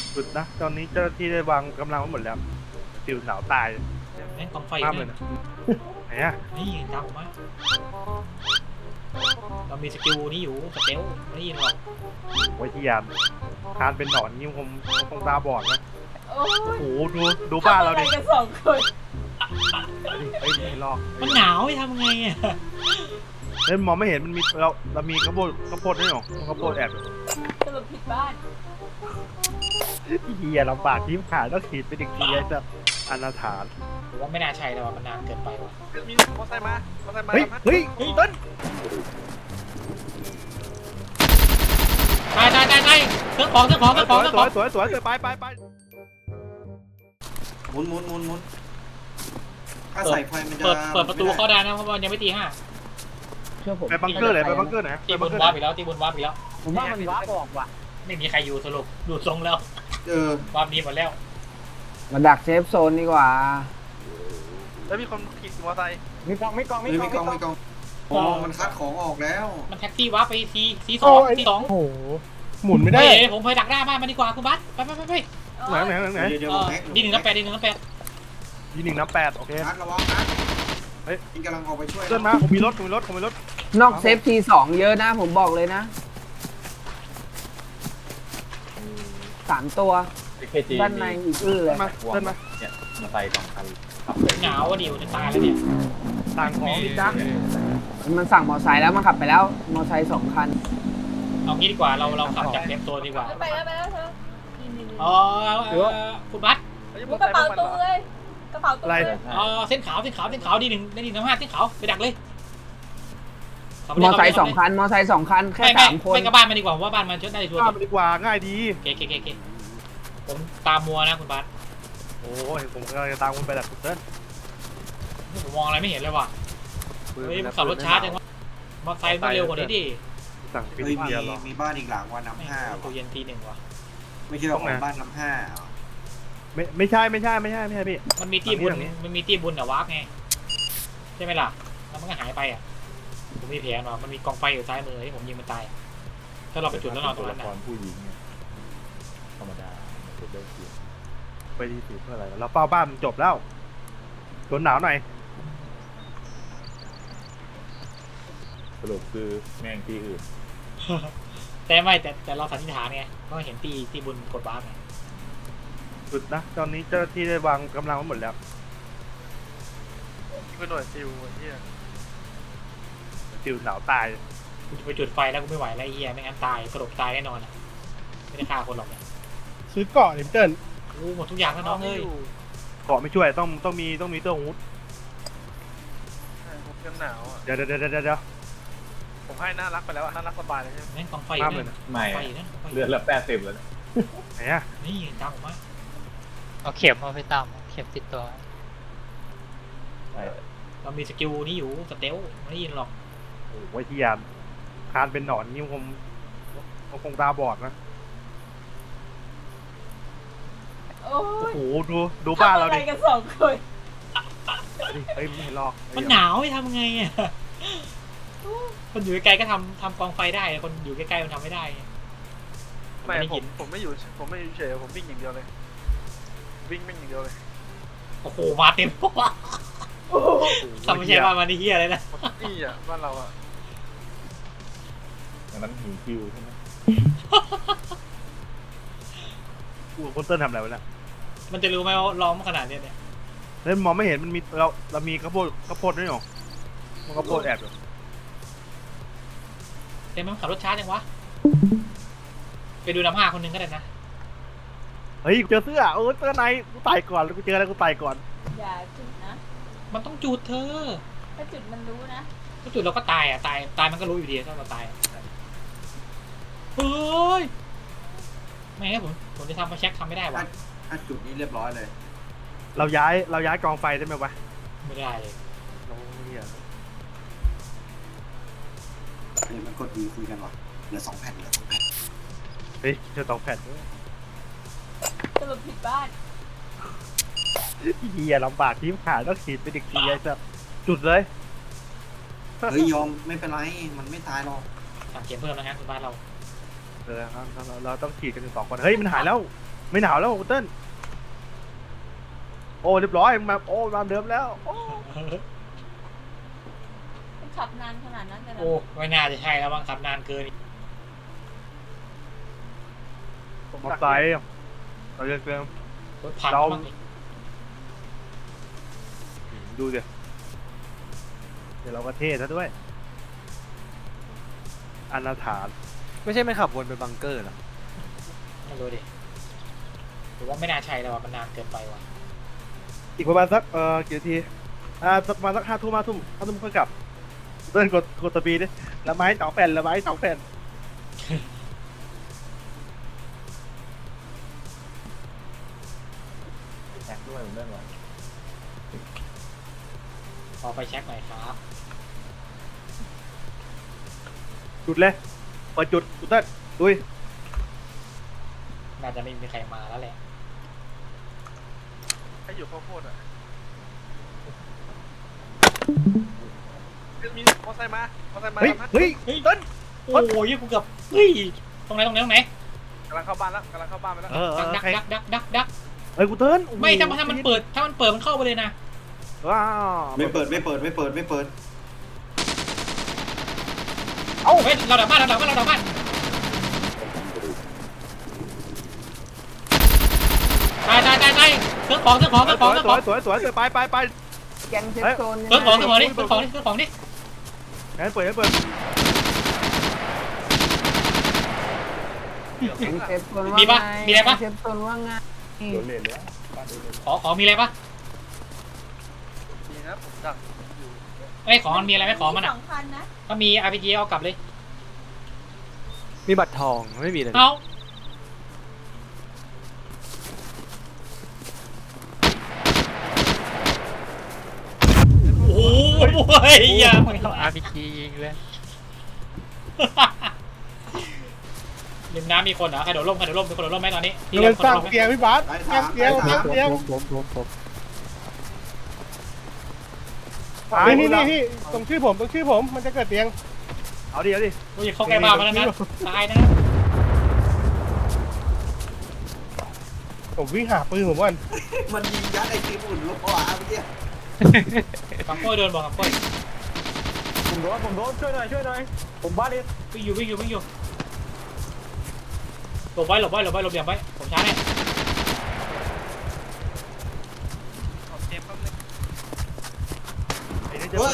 สุดนะตอนนี้เจ้าหน้าที่ได้วางกำลังไว้หมดแล้วติวหนาวตายแม่งกองไฟภาพเลยเนี่ยนะไหนอะนี่ตามผมมาเรามีสกิลนี้อยู่สเตลไม่ได้ยินหรอกโอ้ยที่ยามคานเป็นหนอนนี่คงตาบอดนะโอ้โอ้ยโหดูบ้านเราดิทำอะไรกันสองคนเฮ้ยไม่ลอกมันหนาวไม่ทำไงอ่ะเฮ้ยมองไม่เห็นมันมีเรามีข้าวโพดด้วยเหรอข้าวโพดแอบสรุปผิดบ้านเฮียลำบากที่ขาดต้องขีดเป็นอีกทีไอ้จะอนาถานหรือว่าไม่น่าใช่แล้วว่ะมันนานเกินไปว่ะมีมอเตอร์ไซค์มาเฮ้ยเฮ้ยเต้นตายเครื่องของสวยไปหมุนถ้าใส่ไฟมันจะเปิดประตูเข้าได้นะเพราะว่ามันยังไม่ตีห้าเชื่อผมไปบังเกอร์ไหนไปบังเกอร์ไหนตีบนวาร์ปอีกแล้วตีบนวาร์ปอีกแล้วผมว่ามันว้าบออกว่ะไม่มีใครอยู่สรุปดูทรงแล้ว วาร์ปนี้หมดแล้วมาดักเซฟโซนดีกว่าแล้วมีคนขี่มอเตอร์ไซค์มีกองไม่กองอ๋อมันคัดของออกแล้วมันแท็กซี่วาร์ปไปทีสองโอ้โหหมุนไม่ได้ผมไปดักหน้าบ้านมันดีกว่าคุณบัสไปไหนเดี๋ยวแม็กดีหนึ่งน้ำแปดยี1 น้ำ 8โอเคคัดระวังนะเฮ้ยกำลังออกไปช่วยเดินมาผมมีรถนอกเซฟทีสองเยอะนะผมบอกเลยนะ3 ตัวด้านในอีกเลยมาเดินมาเนี่ยมาใส่2 คันขับเลยหนาวอ่ะดิวจะตายแล้วเนี่ยต่างของนี่จ้ามันสั่งมอไซค์แล้วมันขับไปแล้วมอไซค์2 คันเอางี้ดีกว่าเราขับจากเซฟโซนดีกว่าไปแล้วเธอนี่อ๋อคุณบัสมุกกระเป๋าตัวเลยกระเป๋าตัวเลยเส้นขาวดีหนึ่งได้ดีน้ำห้าเส้นขาวไปดักเลยมอไซค์2 คันมอไซค์2 คันแค่3 คนไม่กับบ้านมันดีกว่าว่าบ้านมันชดได้ชัวร์ข้ามไปดีกว่าง่ายดีเก๋ผมตามมัวนะคุณบัสโอ้ยผมกำลังจะตามคุณไปดักคุณเต้นผมมองอะไรไม่เห็นเลยว่ะเฮ้ยขับรถช้าจังวะมอไซค์มันเร็วกว่านี้ดิสั่งปิดเฮ้ยเดียวหรอมีบ้านอีกหลังว่าน้ำห้าตัวเย็นทีหนึ่งว่ะไม่ใช่ของบ้านน้ำห้าไม่ใช่พี่มันมีที่บุญแต่วาร์ปไงใช่ไหมล่ะแล้วมันก็หายไปอ่ะผมมีแผนว่ะมันมีกองไฟอยู่ซ้ายมือที่ผมยิงมันตายถ้าเราไปจุดแล้วนอนตรงนั้นละนะครผู้หญิงเนี่ยธรรมดาจุดเลิกเสียไปดีสิเพื่ออะไรเราเป้าบ้านจบแล้วทนหนาวหน่อยสรุปคือแม่งที่อื่นแต่เราสันนิษฐานไงเพราะเห็นตีบุญกดวาร์ปไงสุดนะตอนนี้เจ้าหน้าที่ได้วางกำลังไว้หมดแล้วคือหน่วยซิลที่ติวหนาวตายกูจะไปจุดไฟแล้วกูไม่ไหวแล้วไอ้เหี้ยไม่งั้นตายกระโดดตายแน่นอนอ่ะไม่ได้ฆ่าคนหรอกเนี่ยซื้อเกาะดิเติ้ลโอ้หมดทุกอย่างแล้วน้องเอ้ยเกาะไม่ช่วยต้องมีเตื้อฮูดผมยังหนาวอ่ะเดี๋ยวผมให้น่ารักไปแล้วน่ารักสบายเลยใช่ไหมแม่งกองไฟภาพเลยนะไม่ไฟนะเลือดละ80แล้วนะไหนอะนี่ตามผมมาเอาเข็มเอาไปตามเข็มติดตัวใช่เรามีสกิลนี้อยู่สเตลไม่ได้ยินหรอกโอ้ยที่ยามคานเป็นหนอนนี่คงตาบอดนะโอ้โอ้ยโหดูบ้านเราทำอะไรดิกันสองคนเฮ้ยไม่ลอกมันหนาวไม่ทำไงอ่ะคนอยู่ใกล้ๆก็ทำกองไฟได้คนอยู่ใกล้ๆมันทำไม่ได้ไม่ได้ผยิมนผมไม่อยู่เฉยผมวิ่งอย่างเดียวเลยวิ่งอย่างเดียวเลยโอ้โหมาเต็มทำไม่ใช่ว่ามันนี่เฮียเลยนะนี่อ่ะบ้านเราอ่ะดังนั้นหิวคิวใช่ไหมคุณเติ้ลทำอะไรวะเนี่ยมันจะรู้ไหมว่าร้องขนาดนี้เนี่ยเฮ้ยมองไม่เห็นมันมีเรามีข้าวโพดด้วยเหรอข้าวโพดแอบอยู่เต็มมันขับรถช้าจังวะไปดูน้ำห้าคนหนึงก็ได้นะเฮ้ยเจอเสื้อเสื้อในกูตายก่อนแล้วกูเจออะไรกูตายก่อนอย่าจุดนะมันต้องจุดเธอถ้าจุดมันรู้นะถ้าจุดเราก็ตายอ่ะตายมันก็รู้อยู่ดีถ้าเราตายเฮ้ยไม่งั้นผมจะทำมาเช็คทำไม่ได้วะถ้าจุดนี้เรียบร้อยเลยเราย้ายกองไฟได้ไหมวะไม่ได้เลยโอ้ยเหี้ยมันกดดีคุยกันวะเหลือ2 แผ่นเฮ้ยเจอ2 แผ่นด้วยสรุปผิดบ้านเฮียลำบากที่ขาดต้องขีดเป็นอีกทีไอ้สัสจุดเลยเฮ้ยยอมไม่เป็นไรมันไม่ตายหรอกสั่งเกมเพิ่มนะฮะคุณบ้านเราครับเราต้องขีดกันถึง2 คนเฮ้ยมันหายแล้วไม่หนาวแล้วคุณเติ้ลโอ้เรียบร้อยมาโอ้มาเดิมแล้วโอ้มันขับนานขนาดนั้นเลยนะโอ้ไม่น่าจะใช่แล้วบ้างขับนานเกินมอไซค์เราจะเติมรถพังเราบ้างดิดูดิเดี๋ยวเราก็เท่ซะด้วยอนาถานไม่ใช่ไม่ขับวนไปบังเกอร์หรอไม่รู้ดิหรือว่าไม่น่าใช่แล้วว่ะมันนานเกินไปว่ะอีกประมาณสักกี่นาทีประมาณสัก5 ทุ่มค่อยกลับเติ้ลกดสปีดดิละไม้2 แผ่นละไม้2 แผ่นแท็กด้วยผมได้ไหมขอไปเช็คหน่อยครับจุดเลยเปิดจุดคุณเติ้ลดุยน่าจะไม่มีใครมาแล้วแหละให้อยู่ข้าวโพดอ่ะมีมอไซค์มามอไซค์มาเฮ้ยทำให้เฮ้ยเฮ้ยเติ้ลโอ้ยกูเกือบเฮ้ยตรงไหนกำลังเข้าบ้านแล้วกำลังเข้าบ้านไปแล้วดักใครดักเฮ้ยกูเติ้ลโอ้โหไม่ถ้ามันเปิดมันเข้าไปเลยนะว้าวไม่เปิดเฮ้ยเราดักบ้านตายเครื่องของสวยไปแกงเซฟโซนเครื่องของนี่งั้นเปิดแกงเซฟโซนมีปะมีอะไรปะเซฟโซนว่าไงโดนเลนแล้วบ้านโดนเลนขอมีอะไรปะนี่นะผมดักอยู่ไอ้ของมันมีอะไรไหมของมันอ่ะ 2 คันนะถ้ามี RPG เอากลับเลยมีบัตรทองไม่มีเลยเอาโอ้ยอย่าไม่เอา RPG ยิงเลยริมน้ำมีคนเหรอใครโดดร่มมีคนโดดร่มไหมตอนนี้มันสร้างเกียร์ร์พี่บาสสายสร้างเกียร์สามเกียร์นี่พี่ตรงชื่อผมมันจะเกิดเตียงเอาดิโอ้ยเข้าใกล้บ้านมาแล้วนะตายนะผมวิ่งหาปืนผมก่อนมันยิงยัดไอ้ทีมอุ่นลูกอ่ะเมื่อกี้กับก้อยโดนบอกกับก้อยผมโดนช่วยหน่อยผมบ้าเลยวิ่งอยู่หลบไว้เหลี่ยมไว้ผมช้าแน่เกมแป๊บนึงไอ้นี่เฮ้ย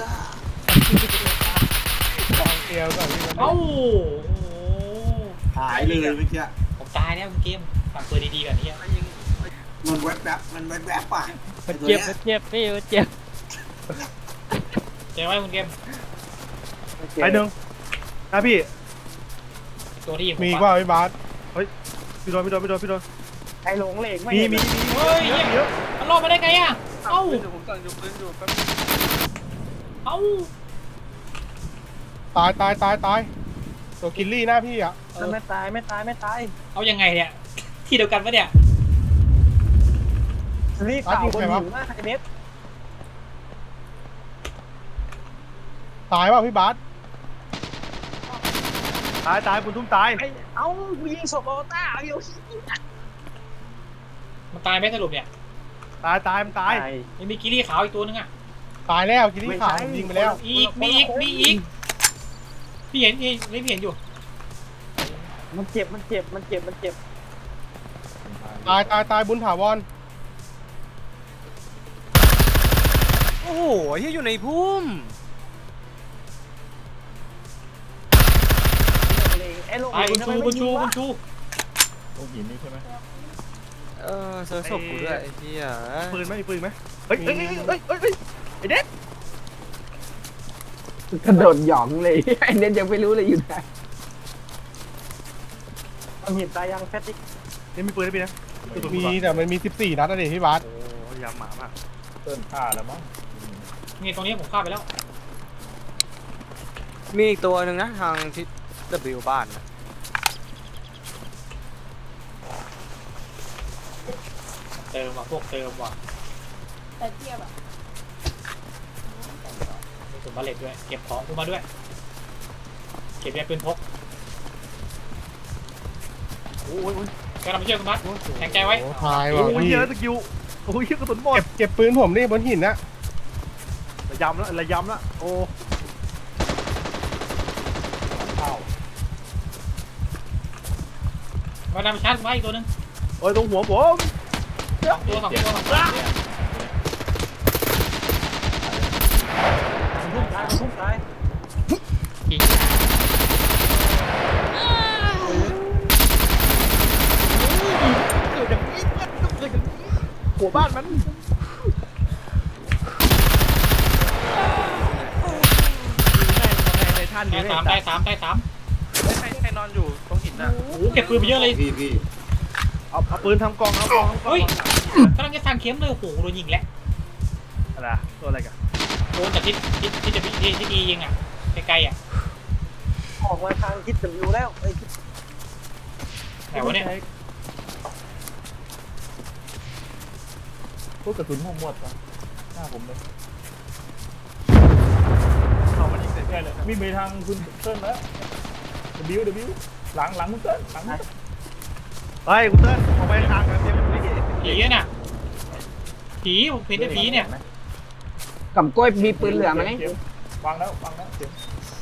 เตียงก่อนพี่เอ้าหายเลยเมื่อกี้ผมตายแล้วเกมฟังตัวดีๆกันนี่ไอ้ยิงมันแวบป่ะมันเจ็บพี่มันเจ็บเจอไว้คุณเกมไอ้หนึ่งนะพี่ตัวที่มีว่าพี่บาสพี่โดนไอ้หลงเหล็กไม่มีเฮ้ยมันรอดมาได้ไงอ่ะเอ้าผมสั่งอยู่ปืนอยู่แป๊บเอ้าตายตัวกินลี่หน้าพี่อ่ะไม่ตายเอายังไงเนี่ยที่เดียวกันปะเนี่ยรีบตายอยู่ไหนวะไอ้เน็ตตายว่าพี่บาสตายคุณทุ่มตายเอ้ายิงศพออต้าเอาอยู่มันตายไหมสรุปเนี่ยตายมันตายยังมีกิรี่ขาวอีกตัวนึงอ่ะตายแล้วกินลี่ขาวยิงไปแล้วมีอีกพี่เห็นอยู่มันเจ็บตายบุญถาวรโอ้โหที่อยู่ในพุ่มไอ้หลงตายคุณชูตรงหินนี่ใช่ไหมเจอศพกูด้วยไอ้เหี้ยปืนไหมเฮ้ยไอ้เด็กกระโดดหยองเลยไอ้เน็ตยังไม่รู้เลยอยู่ไหนมันเห็นตายยังแฟตติกนี่มีปืนได้ปีนะมีแต่มันมี14นัดนะดิพี่บาสโอ้ยยำหมามากเติ้ลฆ่าแล้วมั้งนี่ตรงนี้ผมฆ่าไปแล้วมีอีกตัวหนึ่งนะทางทิศ W บ้านนะเติมว่ะพวกเติมว่ะแต่เทียบอ่ะมีถุงบาเลตด้วยเก็บของกูมาด้วยเก็บยาปืนพกโอ้ยกำลังไปช่วยคุณพัดแข็งใจไว้โอ้ตายว่ะโอ้ยพี่เยอะสกิลโอ้ยกระสุนหมดเก็บปืนผมดิบนหินนะระยำแล้วระยำแล้วโอ้มาดามชาร์จไว้อีกตัวนึงโอ้ยตรงหัวผมสองตัวสองตัวยิงเกิดอย่างนี้เกิดอย่างนี้หัวบ้านมัน ในท่านได้นี้สามได้สามได้สามใครนอนอยู่ตรงหินน่ะโอ้โหเก็บปืนไปเยอะเลยพี่เอาปืนทำกองเอากองเฮ้ยกำลังจะสั่งเข็มเลยโอ้โหโดนยิงแล้วอะไรตัวอะไรกันโดนจากที่จะที่ดียิงอ่ะไกลๆอ่ะออกมาทางทิศWแล้วไอ้ไหนวะเนี่ยพวกกระสุนหมดวะหน้าผมเลยเอามันยิงเสร็จเนี่ยเลยวิ่งไปทางคุณเติ้ลแล้วW หลังคุณเติ้ลหลังคุณเติ้ลไปคุณเติ้ลออกไปทางกันเต็มเลยผีน่ะผีผมเห็นแต่ผีเนี่ยกับกล้วยมีปืนเหลือไหมข็วางแล้วเข็ม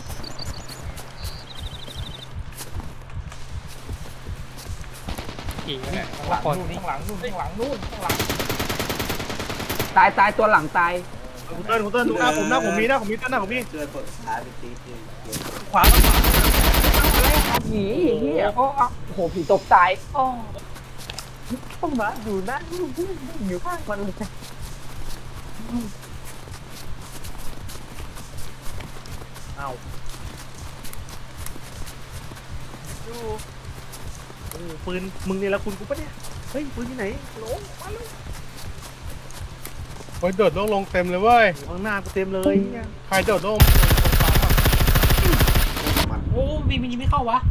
ยิงเนี่ยข้างหลังนู่นข้างหลังนู่นตายตัวหลังตายคุณเติ้ลดูหน้าผมมีเติ้ลหน้าผมมีเกิดเปิดซ้ายไปตีตีขวาผีเฮียโอ้โหผีตกตายโอ้ต้องมาอยู่นะอยู่ข้างมันเลยเอาดูโอ้ปืนมึงนี่ละคุณกูปะเนี่ยเฮ้ยปืนที่ไหนโหลมาเลยโอ้ยโดดลงเต็มเลยเว้ยข้างหน้ากูเต็มเลยเนี่ยใครโดดลงโอ้มีมันยิงไม่เข้าวะ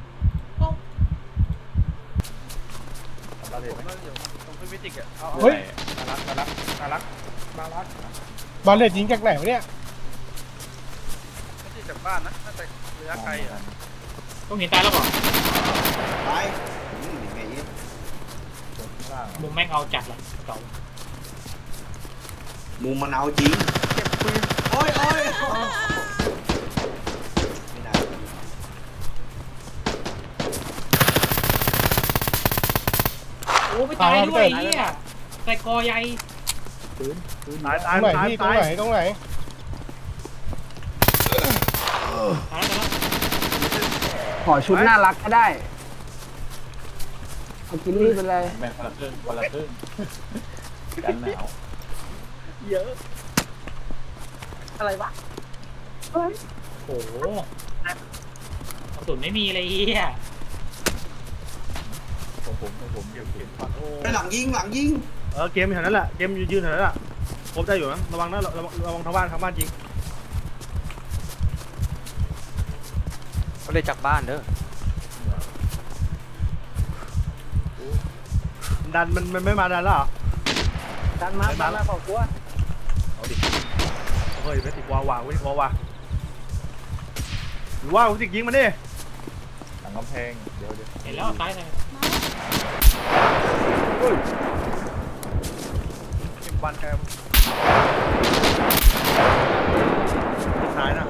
เราเห็นไหมอยู่ตรงพื้นวิจิกอ่ะเฮ้ยน่ารักบาเลตยิงจากไหนวะเนี่ยไม่ใช่จากบ้านนะน่าจะระยะไกลอ่ะต้องเห็นตายแล้วก่อนไปยังไงข้างล่างมุมแม่งเอาจัดละเก่ามุมมันเอาจริงเก็บปืนโอ้ยไม่ได้โอ้ไม่ตายด้วยเฮียใส่กอใหญ่ตายตตายรงไหนตายพี่ตรงตายไหนตรงไหนตายแล้วขอชุดน่ารักก็ได้เอากินรีบไปเลยแม่งคนละครึ่งกันหนาวเยอะอะไรวะโอ้โหกระสุนไม่มีเลยเฮียของผมเก็บไปหลังยิงเกมแถวนั้นแหละเกมยืนแถวนั้นแหละครบได้อยู่นะระวังนะระวังทางบ้านยิงเขาเลยจากบ้านเด้อดันมันไม่มาดันแล้วเหรอดันมาเปล่ากลัวเอาดิเฮ้ยไม่ติดวาวาเว้ยวาวาหรือว่าผมติดยิงมันดิหลังกำแพงเดี๋ยวเห็นแล้วตายเลยเก็บบันแกมซ้ายนะ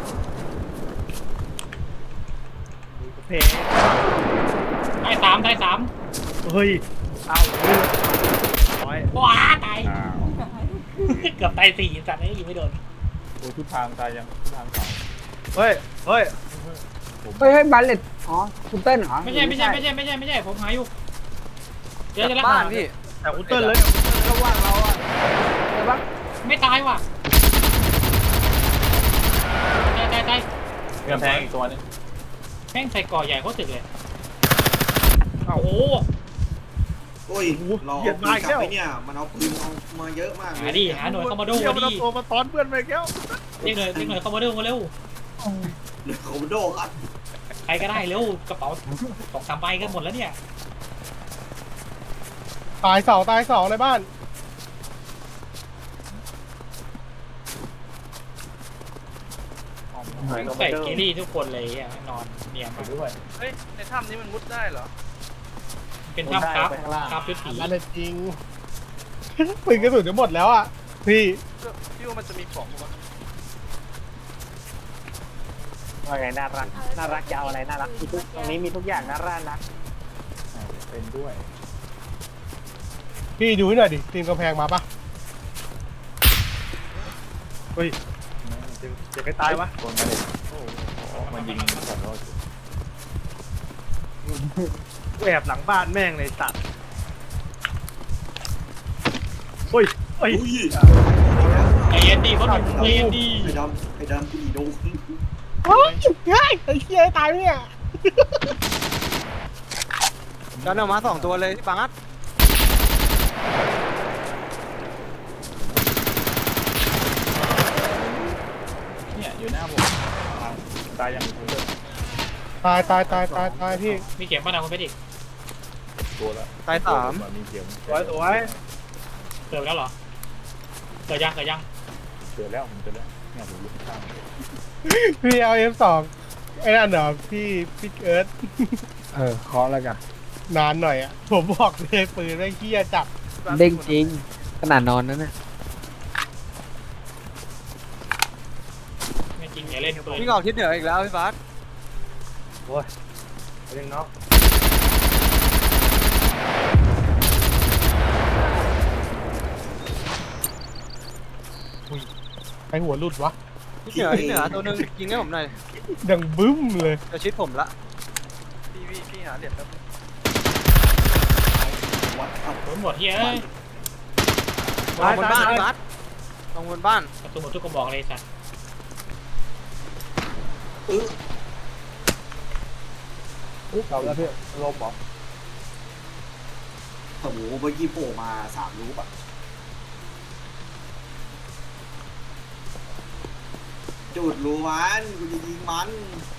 เพย์ได้สามได้สามเฮ้ยเอาร้อยว้าตายอ้าวเกือบตายสี่สัตว์นี่ยิงไม่โดนโอ้ทุกทางตายยังทุกทางสองเฮ้ยเฮ้ยบาเลตอ๋อคุณเติ้ลเหรอไม่ใช่ผมหาอยู่เจอแล้วบ้านพี่แต่คุณเติ้ลเลยก็ว่างเราอ่ะใช่ปะไม่ตายว่ะตายกำแพงอีกตัวนึงแม่งใส่ก่อใหญ่เขาตึกเลยโอ้โหโอ้ยรอปืนกลับไปเนี่ยมันเอาปืนเอามาเยอะมากหาดิหาหน่วยคอมโบโดเดี๋ยวมามันดิเอาตัวมาตอนเพื่อนไปแก้วเรียกหน่วยคอมโบโดมาเร็วคอมโดครับใครก็ได้เร็วกระเป๋า2-3ใบก็หมดแล้วเนี่ยตายสองในบ้านแม่งใส่เกลี่ทุกคนเลยอ่ะนอนเนียนไปมากด้วยเฮ้ยในถ้ำนี้มันมุดได้เหรอเป็นถ้ำครับครับชุดสีบาเลตจริง ปืนกระสุนจะหมดแล้วอ่ะ พี่พี่ว่ามันจะมีของปะวะว่าไงน่ารักน่ารักยาวอะไรน่ารักมีทุกตรงนี้มีทุกอย่างน่ารักนะเป็นด้วยพี่ดูให้หน่อยดิทีมกำแพงมาปะเฮ้ยเดี๋ยวใครตายวะโดนมาเลยโอ้โหมันยิงขอโทษกูแอบหลังบ้านแม่งเลยสัตว์เฮ้ยเฮ้ยอุ้ยใจเย็นดีเพราะมันใจเย็นดีไอ้ดำกูดีโดนโอ้ยง่ายไอ้เหี้ยตายเนี่ยดันออกมา2ตัวเลยที่ปังอัดเนี่ยอยู่หน้าผมตายอย่างนี้เลยตายพี่มีเก็บบ้านเราคุณเพชรอีกตัวละตาย3 มีเกียร์สวยสวยเกิดแล้วเหรอเกิดยังเกิดยังเจอแล้วผมเจอแล้วเนี่ยผมอยู่ข้างพี่เอา F2 ไอ้นั่นเหรอพี่เอิร์ธขอแล้วกันนานหน่อยอ่ะ ผมบอกเลยปืนไม่งเหี้ยจับเด้งจริงขนาดนอนนั่นน่ะไม่จริงอย่าเล่นปืนวิ่งออกทิศเหนืออีกแล้วพี่บาสเรื่องเนาะไอหัวหลุดวะทิศเหนือตัวนึงยิงให้ผมหน่อยดังบึ้มเลยจะชิดผมละพี่หาเหรียญแป๊บนึงโดนหมดเฮ้ยลงบนบ้านพี่บาสลงบนบ้านกระสุนหมดทุกกระบอกเลยสัตว์เราแล้วพี่ลบบอกโอ้โหเมื่อกี้โผล่มา3 ลูกอ่ะจุดรูมันกูจะยิงมัน